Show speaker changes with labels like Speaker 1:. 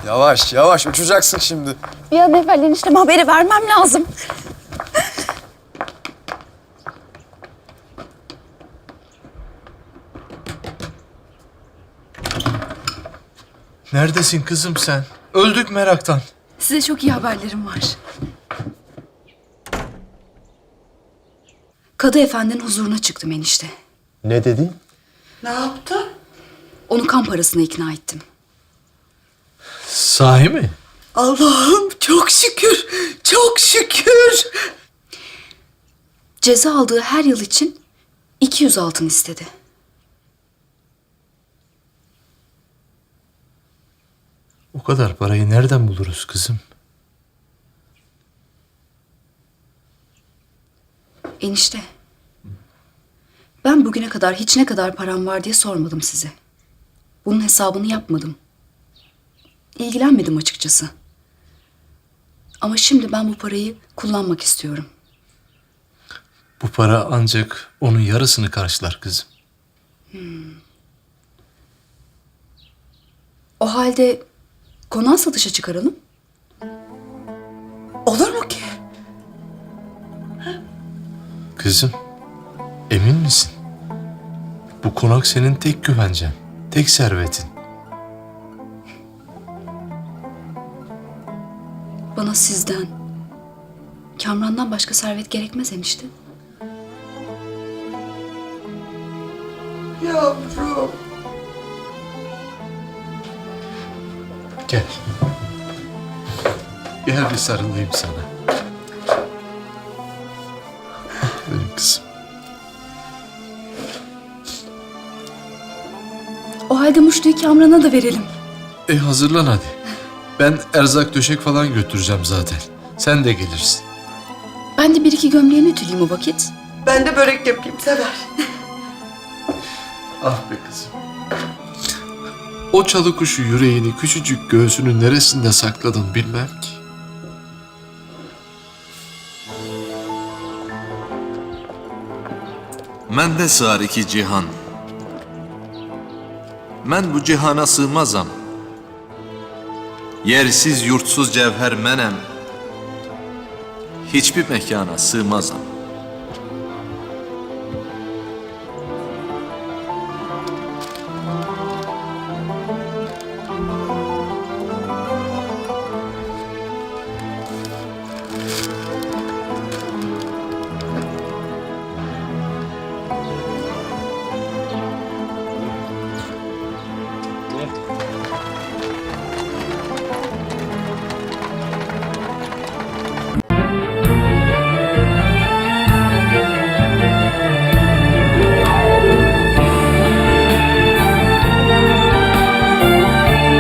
Speaker 1: Yavaş yavaş uçacaksın şimdi.
Speaker 2: Bir an evvel enişteme haberi vermem lazım.
Speaker 3: Neredesin kızım sen? Öldük meraktan.
Speaker 2: Size çok iyi haberlerim var. Kadı Efendi'nin huzuruna çıktım enişte.
Speaker 3: Ne dedin?
Speaker 4: Ne yaptın?
Speaker 2: Onu kan parasına ikna ettim.
Speaker 3: Sahi mi?
Speaker 4: Allah'ım çok şükür, çok şükür.
Speaker 2: Ceza aldığı her yıl için 200 altın istedi.
Speaker 3: O kadar parayı nereden buluruz kızım?
Speaker 2: Enişte, ben bugüne kadar hiç ne kadar param var diye sormadım size. Bunun hesabını yapmadım. İlgilenmedim açıkçası. Ama şimdi ben bu parayı kullanmak istiyorum.
Speaker 3: Bu para ancak onun yarısını karşılar kızım.
Speaker 2: O halde konağı satışa çıkaralım.
Speaker 4: Olur mu ki?
Speaker 3: Kızım, emin misin? Bu konak senin tek güvencen, tek servetin.
Speaker 2: Bana sizden, Kamran'dan başka servet gerekmez enişte.
Speaker 4: Yavrum.
Speaker 3: Gel. Gel bir sarılayım sana. Benim kızım.
Speaker 2: O halde muştuyu Kamran'a da verelim.
Speaker 3: Hazırlan hadi. Ben erzak döşek falan götüreceğim zaten. Sen de gelirsin.
Speaker 2: Ben de bir iki gömleğini ütüleyeyim o vakit.
Speaker 4: Ben de börek yapayım, sever.
Speaker 3: Ah be kızım. O çalı kuşu yüreğini küçücük göğsünün neresinde sakladın bilmem ki.
Speaker 5: Məndə sığar iki cihan. Mən bu cihana sığmazam. Yersiz, yurtsuz cevher mənəm. Hiçbir mekana sığmazam.